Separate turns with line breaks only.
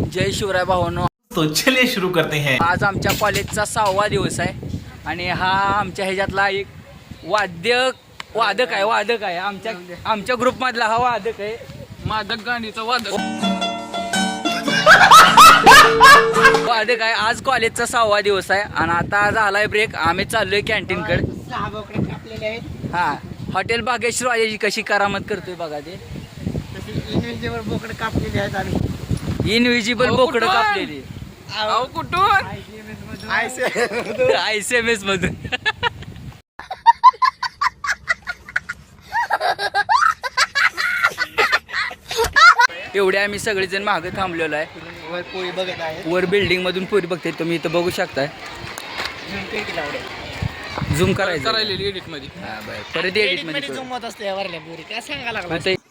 जय शिवराय भावांनो.
तो चलिए शुरू करते हैं.
आज आमच्या कॉलेजचा 6वा दिवस आहे आणि हा आमच्या ह्याच्यातला एक वादक आहे आमच्या ग्रुप मधला हा वादक आहे.
मादक गाणीचा वादक
वादक आहे. आज कॉलेजचा 6वा दिवस आहे आणि आता झालाय ब्रेक. आम्ही चाललोय कॅन्टीन कडे.
6 बोकडे कापलेले आहेत.
हा हॉटेल बागेश्वर वाजेची कशी करामत करतोय बघा ते.
तसे इनविजिबल बोकडे कापलेले आहेत आम्ही.
इनविजिबल बोकडं कापलेली
अहो कुठून
ICMS मधून. एवढे आम्ही सगळेजण मागे थांबलेलो आहे.
वर पोळी बघत आहे.
वर बिल्डिंग मधून पुरी बघते तुम्ही इथं बघू शकताय. झूम करायचं
करायलेली एडिट मध्ये.
परत एडिट मध्ये
जमत असते वरल्या पोरी काय सांगा लागला.
आता